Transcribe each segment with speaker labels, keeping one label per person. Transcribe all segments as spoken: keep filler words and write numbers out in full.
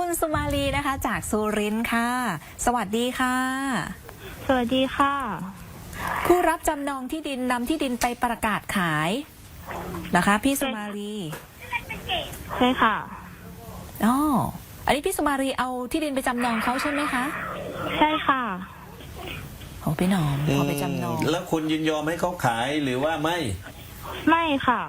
Speaker 1: คุณสุมาลีนะคะจากสุรินทร์ค่ะสวัสดีค่ะ
Speaker 2: สวัสดีค่ะ
Speaker 1: ผู้รับจำนองที่ดินนำที่ดินไปประกาศขายนะคะพี่สุมาลี
Speaker 2: ใช่ค่ะ
Speaker 1: อ๋ออันนี้พี่สุมาลีเอาที่ดินไปจำนองเขาใช่ไหมคะ
Speaker 2: ใช่ค่ะ
Speaker 1: โอ้พี่หนอมเอาไปจำนอง
Speaker 3: แล้วคุณยินยอมให้เขาขายหรือว่าไม่
Speaker 2: ไม่ค่ะ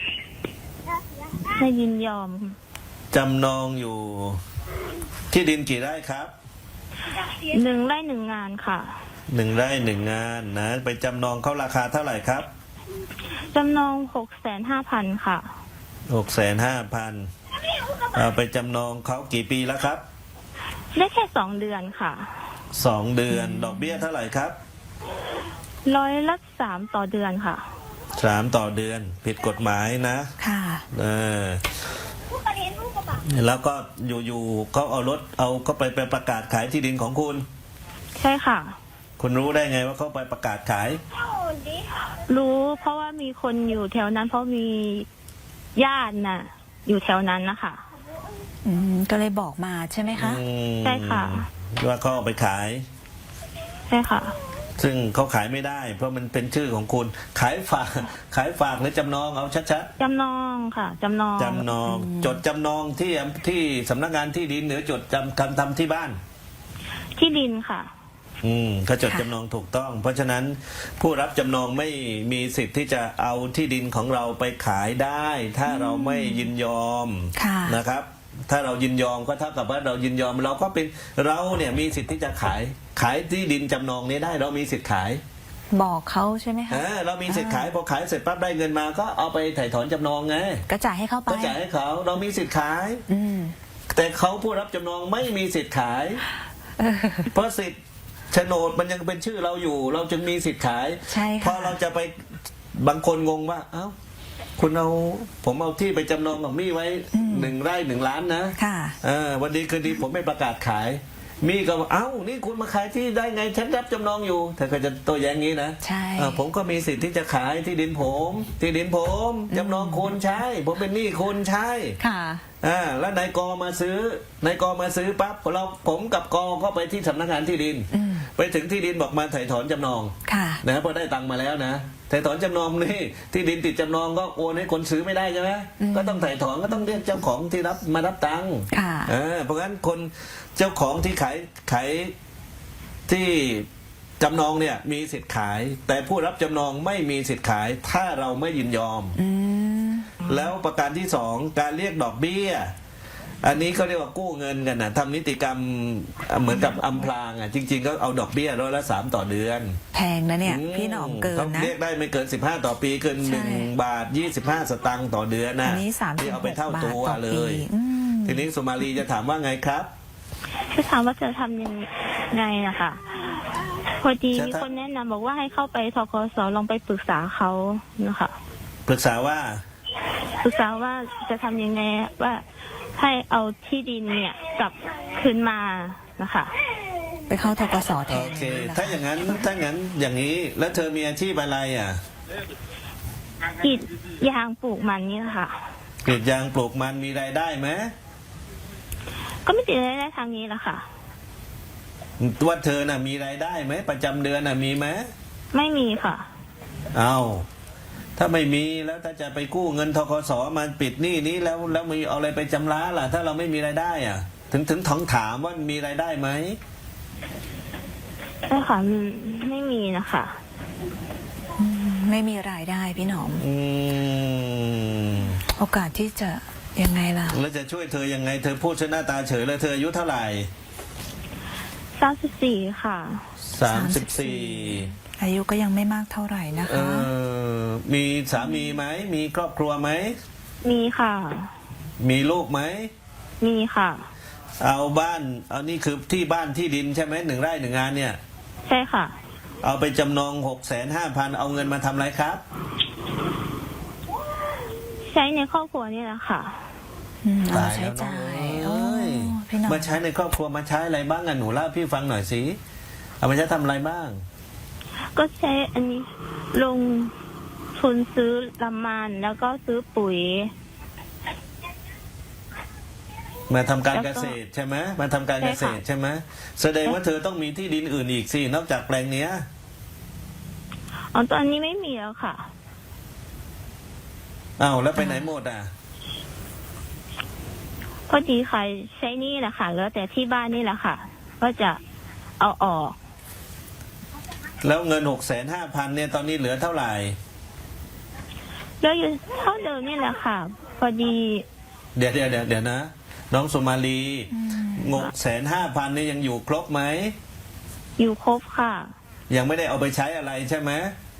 Speaker 2: ไม่ยินยอม
Speaker 3: จำนองอยู่ที่ดินกี่ไร่ครับ
Speaker 2: หนึ่งไร่หนึ่งงานค่ะ
Speaker 3: หนึ่งไร่หนึ่งงานนะไปจำนองเขาราคาเท่าไหร่ครับ
Speaker 2: จำนองหกแสนห้าพันค่ะ
Speaker 3: หกแสนห้าพันเอาไปจำนองเขากี่ปีแล้วครับ
Speaker 2: ได้แค่สองเดือนค่ะ
Speaker 3: สองเดือนดอกเบี้ยเท่าไหร่ครับ
Speaker 2: ร้อยละสามต่อเดือนค่ะ
Speaker 3: สามต่อเดือนผิดกฎหมายนะ
Speaker 1: ค่ะ
Speaker 3: เออแล้วก็อยู่ๆเขาเอารถเอาก็ไปไปประกาศขายที่ดินของคุณ
Speaker 2: ใช่ค่ะ
Speaker 3: คุณรู้ได้ไงว่าเขาไปประกาศขาย
Speaker 2: รู้เพราะว่ามีคนอยู่แถวนั้นเพราะมีญาติน่ะอยู่แถวนั้นนะคะ
Speaker 1: อืมก็เลยบอกมาใช่ไหมคะ
Speaker 2: ใช่ค่ะ
Speaker 3: ว่าเขาเอาไปขาย
Speaker 2: ใช่ค่ะ
Speaker 3: ซึ่งเขาขายไม่ได้เพราะมันเป็นชื่อของคุณขายฝากขายฝากหรือจำนองเอาชัด
Speaker 2: ๆจำนองค่ะจำนอง
Speaker 3: จำนองจดจำนองที่ที่สำนักงานที่ดินหรือจดจำคำทำที่บ้าน
Speaker 2: ที่ดินค่ะ
Speaker 3: อืมเขาจดจำนองถูกต้องเพราะฉะนั้นผู้รับจำนองไม่มีสิทธิ์ที่จะเอาที่ดินของเราไปขายได้ถ้าเราไม่ยินยอมนะครับถ้าเรายินยอมก็เท่ากับว่าเรายินยอมเราก็เป็นเราเนี่ยมีสิทธิ์ที่จะขายขายที่ดินจำนองนี้ได้เรามีสิทธิ์ขาย
Speaker 1: บอกเขาใช่ไหมคะ
Speaker 3: เรามีสิทธิ์ขายพอขายเสร็จปั๊บได้เงินมาก็เอาไปถ่ายถอนจำนองไง
Speaker 1: ก็จ่ายให้เขาไป
Speaker 3: ก็จ่ายให้เขาเรามีสิทธิ์ขาย
Speaker 1: อืม
Speaker 3: แต่เขาผู้รับจำนองไม่มีสิทธิ์ขายเพราะสิทธิ์โฉนดมันยังเป็นชื่อเราอยู่เราจึงมีสิทธิ์ขาย
Speaker 1: ใช่ค่ะ
Speaker 3: พอเราจะไปบางคนงงว่าเอ้าคุณเอาผมเอาที่ไปจำนองของมี่ไว้หนึ่งไร่หนึ่งล้านนะ
Speaker 1: ค่ะ
Speaker 3: เออวันดีคืนดีผมไม่ประกาศขายมี่ก็เอ้านี่คุณมาขายที่ได้ไงฉันรับจำนองอยู่เธอก็จะโต้แย้งงี้นะ
Speaker 1: ใช่
Speaker 3: ผมก็มีสิทธิ์ที่จะขายที่ดินผมที่ดินผมจำนองคุณใช่ผมเป็นหนี้คุณใช่
Speaker 1: ค่ะ
Speaker 3: อ่าแล้วนายกมาซื้อนายกมาซื้อปั๊บเราผมกับกก็ไปที่สำนักงานที่ดินไปถึงที่ดินบอกมาถ่ายถอนจำนองนะพอได้ตังค์มาแล้วนะถ่ายถอนจำนองนี่ที่ดินติดจำนองก็โอนให้คนซื้อไม่ได้ใช่ไหมก็ต้องถ่ายถอนก็ต้องเรียกเจ้าของที่รับมารับตังค์เพราะงั้นคนเจ้าของที่ขายขายที่จำนองเนี่ยมีสิทธิ์ขายแต่ผู้รับจำนองไม่มีสิทธิ์ขายถ้าเราไม่ยินยอมแล้วประการที่สองการเรียกดอกเบี้ยอันนี้เขาเรียกว่ากู้เงินกันนะทำนิติกรรมเหมือนกับอำพรางอ่ะจริงๆก็เอาดอกเบี้ยร้อยละสามต่อเดือน
Speaker 1: แพงนะเนี่ยพี่หนอมเกินนะ
Speaker 3: เรียกได้ไม่เกินสิบห้าต่อปีเกินหนึ่งบาทยี่สิบห้าสตางค์ต่อเดือนนะ
Speaker 1: อันนี้สามสิบ
Speaker 3: เอาไปเท่าตัวเลยทีนี้สุมาลีจะถามว่าไงครับ
Speaker 2: จะถามว่าจะทำยังไงนะคะพอดีมีคนแนะนำบอกว่าให้เข้าไปธกสลองไปปรึกษาเขานะคะ
Speaker 3: ปรึกษาว่า
Speaker 2: ปรึกษาว่าจะทำยังไงว่าให้เอาที่ดินเนี่ยกลับคืนมานะคะ
Speaker 1: ไปเข้าธกสแทน
Speaker 3: โอเคถ้าอย่างนั้นถ้าอย่างนั้นอย่างนี้แล้วเธอมีอาชีพอะไรอ่ะ
Speaker 2: กรีดยางปลูกมันนี่ค่ะ
Speaker 3: กรีดยางปลูกมันมีรายได้ไหม
Speaker 2: ก็ไม่ติดรายได้ทางนี้แหละค่ะ
Speaker 3: ว่าเธอน่ะมีรายได้ไหมประจำเดือนน่ะมีไหม
Speaker 2: ไม่มีค่ะ
Speaker 3: เอาถ้าไม่มีแล้วถ้าจะไปกู้เงินธกสมาปิดหนี้นี้แล้วแล้วมีเอาอะไรไปจำระล่ะถ้าเราไม่มีรายได้อ่ะถึงถึงท้องถามว่ามีรายได้ไหม
Speaker 2: ใช่ค่ะไม่มีนะคะ
Speaker 1: ไม่มีรายได้พี่หนอมโอกาสที่จะยังไงล่ะ
Speaker 3: แล้วจะช่วยเธอยังไงเธอพูดชนะตาเฉยแล้วเธออายุเท่าไหร่
Speaker 2: สามสิบสี่ค่ะ
Speaker 3: สามสิบสี่
Speaker 1: อายุก็ยังไม่มากเท่าไหร่นะคะ
Speaker 3: มีสามีไหมมีครอบครัวไหม
Speaker 2: มีค่ะ
Speaker 3: มีลูกไหม
Speaker 2: มีค่ะ
Speaker 3: เอาบ้านเอานี่คือที่บ้านที่ดินใช่ไหมหนึ่งไร่หนึ่งงานเนี่ย
Speaker 2: ใช่ค่ะ
Speaker 3: เอาไปจำนองหกแสนห้าพันเอาเงินมาทำอะไรครับ
Speaker 2: ใช้ในครอบครัวนี่แหละค่ะ
Speaker 1: เอาใช้จ่าย
Speaker 3: มาใช้ในครอบครัวมาใช้อะไรบ้างอ่ะหนูเล่าพี่ฟังหน่อยสิเอาไปใช้ทำอะไรบ้าง
Speaker 2: ก็ใช้อันนี้ลงทุนซื้อลำมันแล้วก็ซื้อปุ๋ย
Speaker 3: มาทำการ
Speaker 2: แล้ว
Speaker 3: เก
Speaker 2: ก็
Speaker 3: ษตรใช่ไหมมาทำการ
Speaker 2: ใช่
Speaker 3: เก
Speaker 2: ค่ะ
Speaker 3: ษตรใช่ไหมแสดงว่าเธอต้องมีที่ดินอื่นอีกสินอกจากแปลงเนี้ย
Speaker 2: อ๋อตอนนี้ไม่มีแล้วค่ะ
Speaker 3: อ้าวแล้วไปไหนหมดอ่ะ
Speaker 2: พอดีขายใช้หนี่แหละค่ะเหลือแต่ที่บ้านนี่แหละค่ะ ก็จะเอาออก
Speaker 3: แล้วเงินหกแสนห้าพันเนี่ยตอนนี้เหลือเท่าไหร่
Speaker 2: แล้วอยู่เท่าเดิมนี่แหละค่ะ พอดี
Speaker 3: เดี๋ยวเดี๋ยวเดี๋ยวเดี๋ยวนะ น้องสุมาลีงกแสนห้าพันเนี่ยยังอยู่ครบไหม
Speaker 2: อยู่ครบค่ะ
Speaker 3: ยังไม่ได้เอาไปใช้อะไรใช่ไหม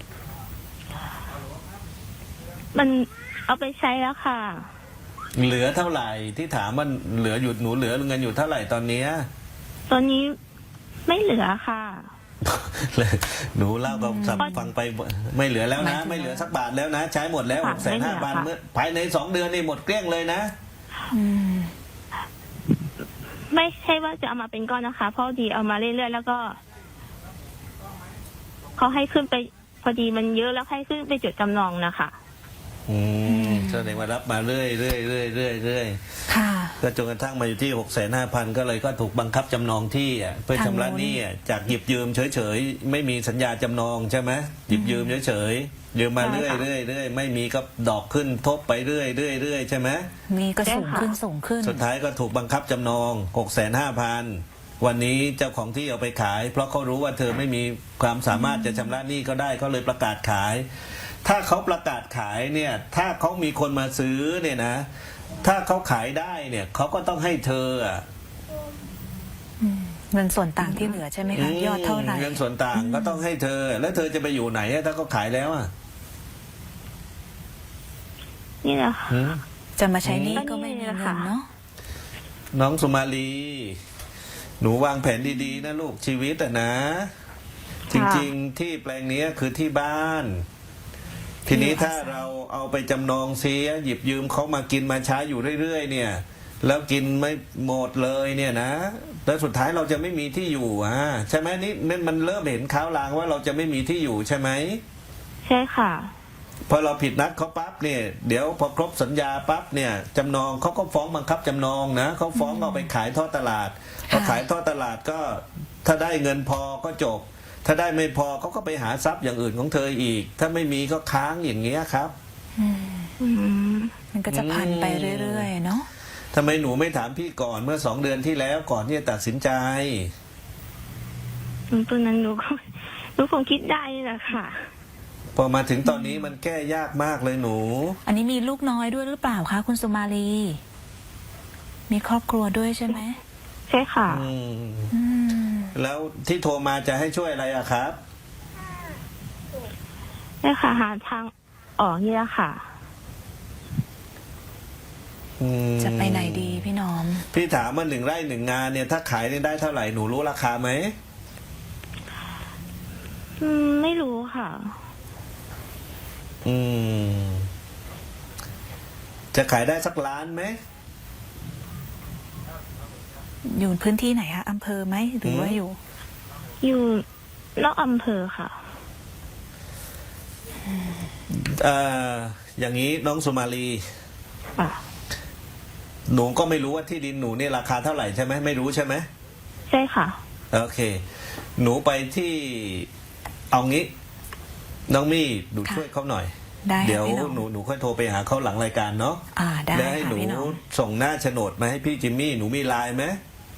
Speaker 2: มันเอาไปใช้แล้วค่ะ
Speaker 3: เหลือเท่าไหร่ที่ถามมันเหลืออยู่หนูเหลือเงินอยู่เท่าไหร่ตอนเนี้ย
Speaker 2: ตอนนี้ไม่เหลือค่ะ
Speaker 3: หนูเล่าก็สับ
Speaker 2: อืม
Speaker 3: ฟังไปไม่เหลือแล้ว
Speaker 1: หมา
Speaker 3: นะ
Speaker 1: ยถึง
Speaker 3: ไม่เหลือสักบาทแล้วนะ ใช้หมดแล้วห
Speaker 2: ค่ะ
Speaker 3: กแสนห้าพัน
Speaker 2: ไม่เหลือค่ะ
Speaker 3: เมื่อภายในสองเดือนนี่หมดเกลี้ยงเลยนะ
Speaker 1: อืม
Speaker 2: ไม่ใช่ว่าจะเอามาเป็นก้อนนะคะ เพราะดีเอามาเรื่อยๆแล้วก็เขาให้ขึ้นไป พอดีมันเยอะแล้วให้ขึ้นไปจดจำนองนะคะ
Speaker 3: อืมแสดงว่ารับมาเรื่อยเรื่อยเรื่อยเรื่อยเรื่อย
Speaker 1: ค่ะ
Speaker 3: ก็จนกระทั่งมาอยู่ที่หกแสนห้าพันก็เลยก็ถูกบังคับจำนองที่อ่ะเพื่อชำระหนี้อ่ะจากหยิบยืมเฉยๆไม่มีสัญญาจำนองใช่ไหมหยิบยืมเฉยๆยืมมาเรื่อย
Speaker 2: ใช่ค่ะ
Speaker 3: เรื่อยเรื่อยไม่มีก็ดอกขึ้นทบไปเรื่อยเรื่อยเรื่อยใช่ไหม
Speaker 1: มีก็สูง
Speaker 2: ใช่ค่ะ
Speaker 1: ขึ้นสูงขึ้น
Speaker 3: สุดท้ายก็ถูกบังคับจำนองหกแสนห้าพันวันนี้เจ้าของที่เอาไปขาย เพราะเขารู้ว่าเธอไม่มีความสามารถจะชำระหนี้ก็ได้เขาเลยประกาศขาย ถ้าเขาประกาศขายเนี่ยถ้าเขามีคนมาซื้อเนี่ยนะ ถ้าเขาขายได้เนี่ยเขาก็ต้องให้เธออ่ะ
Speaker 1: เงินส่วนต่างที่เหลือใช่ไหมคะ ยอดเท่าไหร่
Speaker 3: เงินส่วนต่างก็ต้องให้เธอ แล้วเธอจะไปอยู่ไหนอะถ้าเขาขายแล้วอ่ะ
Speaker 2: นี่แหละค่ะ
Speaker 3: หืม
Speaker 1: จะมาใช้หนี้ก็ไม่มี
Speaker 2: ก็นี่แหละ
Speaker 1: เงิ
Speaker 2: ค่ะ
Speaker 1: นเนาะ
Speaker 3: น้องสุมาลี หนูวางแผนดีๆนะลูกชีวิตอะนะ จริงๆที่แปลงเนี้ยคือที่บ้าน ทีนี้ถ้าเราเอาไปจำนองเสียหยิบยืมเขามากินมาใช้อยู่เรื่อยๆเนี่ย แล้วกินไม่หมดเลยเนี่ยนะแล้วสุดท้ายเราจะไม่มีที่อยู่อ่ะใช่ไหมนี่นี่มันเริ่มเห็นข่าวลางว่าเราจะไม่มีที่อยู่ใช่ไหม
Speaker 2: ใช่ค่ะ
Speaker 3: พอเราผิดนัดเขาปั๊บเนี่ยเดี๋ยวพอครบสัญญาปั๊บเนี่ยจำนองเขาก็ฟ้องบังคับจำนองนะเขาฟ้องเอาไปขายทอดตลาดพอขายทอดตลาดก็ถ้าได้เงินพอก็จบ ถ้าได้ไม่พอเขาก็ไปหาทรัพย์อย่างอื่นของเธออีก ถ้าไม่มีก็ค้างอย่างเงี้ยครับ
Speaker 2: อืม
Speaker 1: มันก็จะพันไปเรื่อยๆเนาะ
Speaker 3: ทำไมหนูไม่ถามพี่ก่อนเมื่อสองเดือนที่แล้วก่อนที่จะตัดสินใจ
Speaker 2: ตอนนั้นหนูก็หนูคงคิดได้นี่แหละค่ะ
Speaker 3: พอมาถึงตอนนี้มันแก้ยากมากเลยหนู
Speaker 1: อันนี้มีลูกน้อยด้วยหรือเปล่าคะคุณสุมาลี มีครอบครัวด้วยใช่ไหม
Speaker 2: ใช่ค่ะ
Speaker 3: อืม
Speaker 1: อืม
Speaker 3: แล้วที่โทรมาจะให้ช่วยอะไรอะครับ
Speaker 2: ใช่ค่ะหาทางออกนี่แหละค่ะ
Speaker 3: อืม
Speaker 1: จะไปไหนดีพี่น้อม
Speaker 3: พี่ถามว่าหนึ่งไร่หนึ่งงานเนี่ยถ้าขายเนี่ยได้เท่าไหร่หนูรู้ราคาไหม
Speaker 2: อืม ไม่รู้ค่ะ
Speaker 3: อืม จะขายได้สักล้านไหม
Speaker 1: อยู่พื้นที่ไหนคะอำเภอไหมหรือว่าอยู่
Speaker 2: อยู่นอกอำเภอค่ะ
Speaker 3: เอ่ออย่างนี้น้องสุมาลี
Speaker 2: อ่ะ
Speaker 3: หนูก็ไม่รู้ว่าที่ดินหนูเนี่ยราคาเท่าไหร่ใช่ไหมไม่รู้ใช่ไหม
Speaker 2: ใช่ค่ะ
Speaker 3: โอเค หนูไปที่เอางี้ น้องมี่หนู
Speaker 1: ค่ะ
Speaker 3: ช่วยเขาหน่อย
Speaker 1: ได้ค่ะ
Speaker 3: เดี๋ยว
Speaker 1: พี่น้อง
Speaker 3: หนูหนูค่อยโทรไปหาเขาหลังรายการเนาะ
Speaker 1: อ่าได้
Speaker 3: แล้วให้ห
Speaker 1: ค่ะ
Speaker 3: นู
Speaker 1: พี่น้อง
Speaker 3: ส่งหน้าโฉนดมาให้พี่จิมมี่หนูมีไลน์ไหม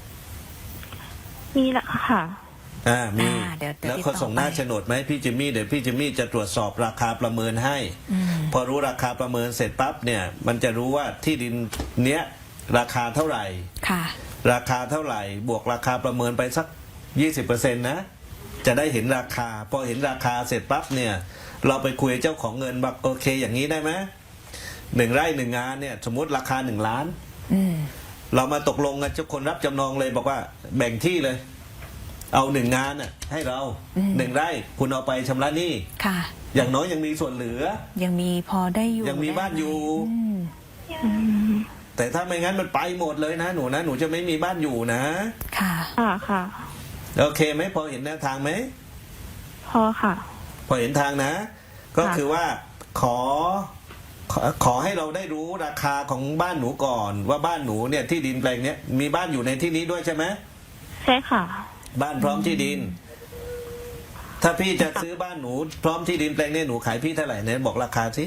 Speaker 2: นี่แหละค่ะ
Speaker 3: อ่ามี
Speaker 1: อ่าเดี๋ยวเดี๋ยว
Speaker 3: แล้ว
Speaker 1: ติด
Speaker 3: เขา
Speaker 1: ต่อ
Speaker 3: ส่งหน้า
Speaker 1: ไป
Speaker 3: โฉนดมาให้พี่จิมมี่เดี๋ยวพี่จิมมี่จะตรวจสอบราคาประเมินให้
Speaker 1: อืม
Speaker 3: พอรู้ราคาประเมินเสร็จปั๊บเนี่ย มันจะรู้ว่าที่ดินเนี้ยราคาเท่าไหร่
Speaker 1: ค่ะ
Speaker 3: ราคาเท่าไหร่ บวกราคาประเมินไปสักยี่สิบเปอร์เซ็นต์นะ จะได้เห็นราคา พอเห็นราคาเสร็จปั๊บเนี่ย เราไปคุยกับเจ้าของเงินแบบโอเคอย่างนี้ได้ไหมหนึ่งไร่หนึ่งงานเนี่ย สมมติราคาหนึ่งล้าน
Speaker 1: อืม
Speaker 3: เรามาตกลงกับเจ้าคนรับจำนองเลยบอกว่าแบ่งที่เลย เอาหนึ่งงานน่ะให้เรา
Speaker 1: อืม
Speaker 3: หนึ่งไร่คุณเอาไปชำระหนี้
Speaker 1: ค่ะ
Speaker 3: อย่างน้อยยังมีส่วนเหลือ
Speaker 1: ยังมีพอได้อยู่
Speaker 3: ยังมีบ้านอยู่
Speaker 1: อืม
Speaker 2: อืม
Speaker 3: แต่ถ้าไม่งั้นมันไปหมดเลยนะหนูนะหนูจะไม่มีบ้านอยู่นะ
Speaker 1: ค่ะ
Speaker 2: ค่ะค่ะ
Speaker 3: โอเคไหมพอเห็นแนวทางไหม
Speaker 2: พอค่ะ
Speaker 3: พอเห็นทางนะ ก็
Speaker 2: ค่ะ
Speaker 3: คือว่าขอขอขอให้เราได้รู้ราคาของบ้านหนูก่อน ว่าบ้านหนูเนี่ยที่ดินแปลงเนี้ยมีบ้านอยู่ในที่นี้ด้วยใช่ไหม
Speaker 2: ใช่ค่ะ
Speaker 3: บ้านพร้อมที่ดิน ถ้าพี่จะซื้อบ้านหนูพร้อมที่ดินแปลงเนี้ยหนูขายพี่เท่าไหร่เนี่ยบอกราคาสิ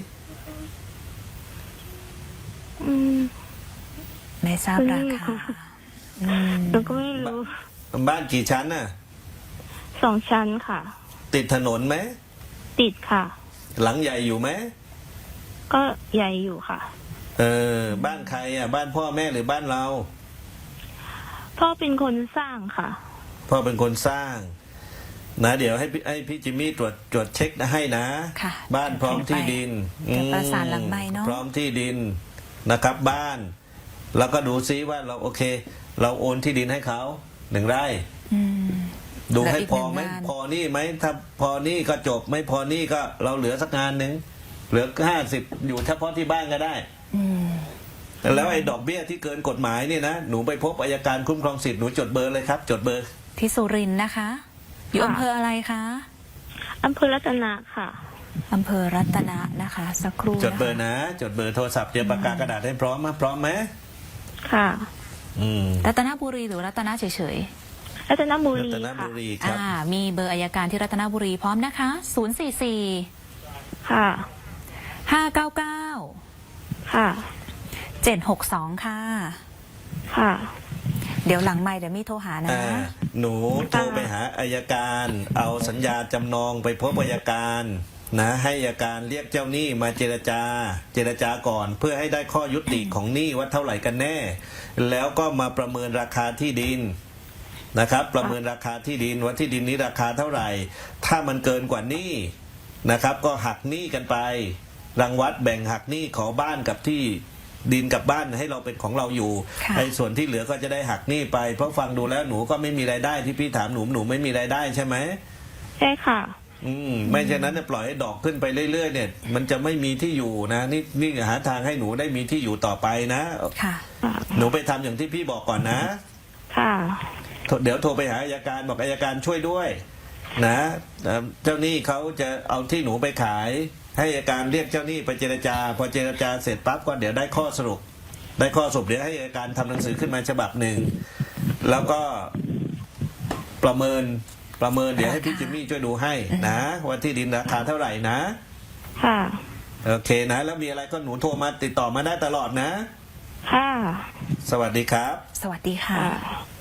Speaker 2: อืม
Speaker 1: ไม่ทราบราคาอืม
Speaker 2: หนูก็ไม่รู้
Speaker 3: บ้านกี่ชั้นน่ะ
Speaker 2: สองชั้นค่ะ
Speaker 3: ติดถนนไหม
Speaker 2: ติดค่ะ
Speaker 3: หลังใหญ่อยู่ไหม
Speaker 2: ก็ใหญ่อยู่ค่ะ
Speaker 3: เออบ้านใครอ่ะบ้านพ่อแม่หรือบ้านเรา
Speaker 2: พ่อเป็นคนสร้างค่ะ
Speaker 3: พ่อเป็นคนสร้าง นะ เดี๋ยวให้พี่ให้พี่จิมมี่ตรวจตรวจเช็คให้นะ
Speaker 1: ค่ะ
Speaker 3: บ้านพร้อมที่ดิน
Speaker 1: เดี๋ยวประสานหลังไมค์เนอะ
Speaker 3: พร้อมที่ดินนะครับ บ้าน แล้วก็ดูซิว่าเราโอเค เราโอนที่ดินให้เขาหนึ่งไร่
Speaker 1: อืม
Speaker 3: ดู
Speaker 1: เหลือ
Speaker 3: ให้
Speaker 1: อีก
Speaker 3: พอไหม
Speaker 1: หนึ่งงาน
Speaker 3: พอนี่ไหมถ้าพอนี่ก็จบไม่พอนี่ก็เราเหลือสักงานหนึ่งเหลือห้าสิบอยู่เฉพาะที่บ้านก็ได้
Speaker 1: อืม
Speaker 3: แล้วไอ้ดอกเบี้ยที่เกินกฎหมายนี่นะหนูไปพบอัยการคุ้มครองสิทธิ์หนูจดเบอร์เลยครับ จดเบอร์
Speaker 1: ที่สุรินทร์นะคะ อยู่
Speaker 2: ค่ะ
Speaker 1: อำเภออะไรคะ
Speaker 2: อำเภอรัตนะค่ะ
Speaker 1: อำเภอรัตนะนะคะ สักครู่
Speaker 3: จดเบอร์
Speaker 1: นะคะ
Speaker 3: นะ จดเบอร์โทรศัพท์เตรียมปากกากระดาษให้พร้อมมาพร้อมไหม
Speaker 2: ค่ะ
Speaker 3: อืม
Speaker 1: รัตนบุรีหรือรัตนะเฉย
Speaker 2: รัตนบุ
Speaker 3: รั
Speaker 2: รี
Speaker 3: ตน
Speaker 2: ค่ะ
Speaker 3: บุรี
Speaker 1: ๆ
Speaker 3: ครับ
Speaker 1: อ่า มีเบอร์อัยการที่รัตนบุรีพร้อมนะคะศูนย์สี่สี่
Speaker 2: ค่ะ
Speaker 1: ห้าเก้าเก้า
Speaker 2: ค่ะ
Speaker 1: เจ็ดหกสองค่ะ
Speaker 2: ค่ะ
Speaker 1: เดี๋ยวหลังไม่เดี๋ยวมีโทรหานะ
Speaker 3: อ่าหนูโทรไปหาอายการ เอาสัญญาจำนองไปพบอายการนะให้อายการเรียกเจ้าหนี้มาเจรจา เจรจาก่อน เพื่อให้ได้ข้อยุติของหนี้ว่าเท่าไหร่กันแน่ แล้วก็มาประเมินราคาที่ดินนะครับ ประเมินราคาที่ดินว่าที่ดินนี้ราคาเท่าไหร่ ถ้ามันเกินกว่าหนี้นะครับ ก็หักหนี้กันไป รังวัดแบ่งหักหนี้ขอบ้านกับที่ดินกับบ้านให้เราเป็นของเราอยู่
Speaker 1: ค่ะ
Speaker 3: ไอ้ส่วนที่เหลือก็จะได้หักหนี้ไป เพราะฟังดูแล้วหนูก็ไม่มีรายได้ที่พี่ถามหนูหนูไม่มีรายได้ใช่ไหม
Speaker 2: ใช่ค่ะ
Speaker 3: อืมไม่เช่นนั้นเนี่ยปล่อยให้ดอกขึ้นไปเรื่อยๆเนี่ย มันจะไม่มีที่อยู่นะนี่นี่หาทางให้หนูได้มีที่อยู่ต่อไปนะ
Speaker 1: ค่ะ
Speaker 3: หนูไปทำอย่างที่พี่บอกก่อนนะ
Speaker 2: ค่ะ
Speaker 3: โทรเดี๋ยวโทรไปหาอัยการบอกอัยการช่วยด้วย นะเอ่อเจ้าหนี้เขาจะเอาที่หนูไปขาย ให้อัยการเรียกเจ้าหนี้ไปเจรจา พอเจรจาเสร็จปั๊บก็เดี๋ยวได้ข้อสรุป ได้ข้อสรุปเดี๋ยวให้อัยการทำหนังสือขึ้นมาฉบับหนึ่งแล้วก็ประเมินประเมินเดี๋ยวให้พี่จิมมี่ช่วยดูให้นะว่าที่ดินราคาเท่าไหร่นะ
Speaker 2: ค่ะ
Speaker 3: โอเคนะ แล้วมีอะไรก็หนูโทรมาติดต่อมาได้ตลอดนะ
Speaker 2: ค่ะ
Speaker 3: สวัสดีครับ
Speaker 1: สวัสดีค่ะ
Speaker 2: ค่ะ